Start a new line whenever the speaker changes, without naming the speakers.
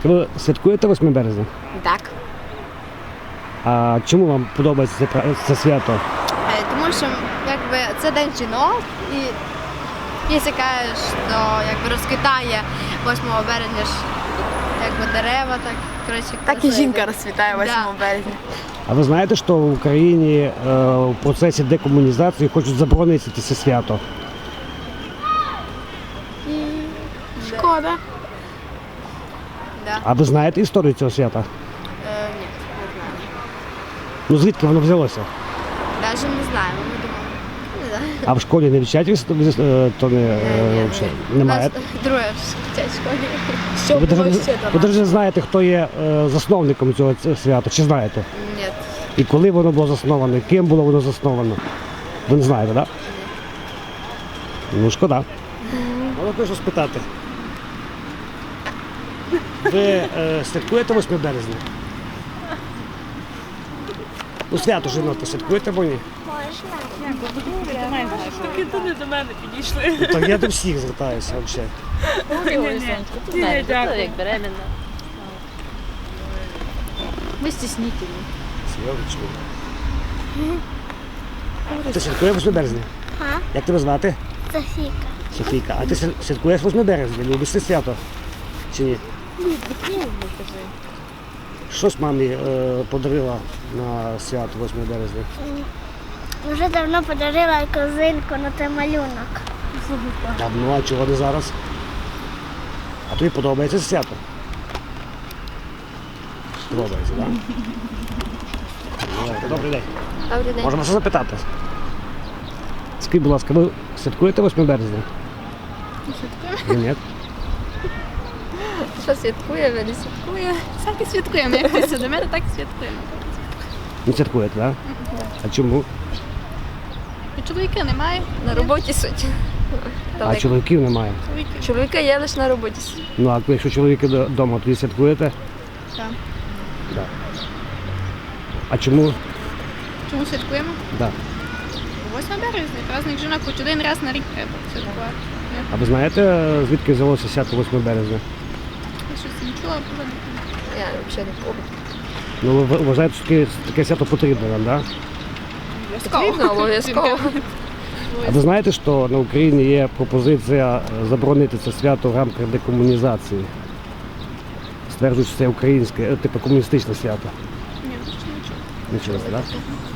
Дівчатка, ви святкуєте 8 березня?
Так.
А чому вам подобається це свято?
Тому що якби, це день жінок і якщо кажеш, що якби, розквітає 8 березня ж, якби, дерева, так, коротше,
Так і жінка розцвітає 8 березня.
А ви знаєте, що в Україні в процесі декомунізації хочуть заборонити це свято?
Шкода.
Да.
А ви знаєте історію цього свята?
Ні, не знаю.
Ну звідки воно взялося?
Навіть не знаємо, ми думаємо. Не знаю.
А в школі не вчать то не, взагалі немає?
У нас друге вчать в школі.
Що
Ви
було
навіть
ще до
ви
нас?
навіть знаєте, хто є засновником цього свята, чи знаєте?
Ні.
І коли воно було засновано, і ким було воно засновано? Ви не знаєте, так? Ну, шкода. Можна теж спитати. Ви святкуєте 8 березня? Ну, свято жінок святкуєте, бо ні?
Таки туди до мене підійшли.
Так я до всіх звертаюся взагалі.
Ні, дякую.
Як беременна.
Ми стіснительні.
Серйозно. Ти святкуєш 8 березня? Як тебе звати?
Софійка.
Софійка. А ти святкуєш 8 березня? Любиш це свято? Чи ні? Щось мамі подарила на свято 8 березня?
Вже давно подарила козинку на той малюнок.
Давно, а чого не зараз? А тобі подобається це свято? Подобається, так? Добрий день.
Добрий день.
Можемо все запитати? Скажіть, будь ласка, ви святкуєте 8 березня? Святкуємо. Ні?
Що святкує, ви не святкує?
Так і святкуємо. Як хтось до мене, так і святкуємо.
Не святкуєте, так? А чому?
Чоловіка немає.
На роботі суть.
А чоловіків немає.
Чоловіка є лише на роботі.
Ну, а якщо чоловіки вдома, тоді святкуєте?
Так.
Так. А чому?
Чому святкуємо?
Так.
8 березня. Праздник жінок хоч один раз на рік треба святкувати.
А ви знаєте, звідки взялося свято 8 березня?
Я щось не чула, було не
Я взагалі не пам'ятаю.
Ну, ви вважаєте, що таке свято потрібно нам, так?
Потрібно обов'язково.
А ви знаєте, що на Україні є пропозиція заборонити це свято в рамках декомунізації? Стверджують, що це українське, типу комуністичне свято.
Ні, не чула.
Не чесно, так?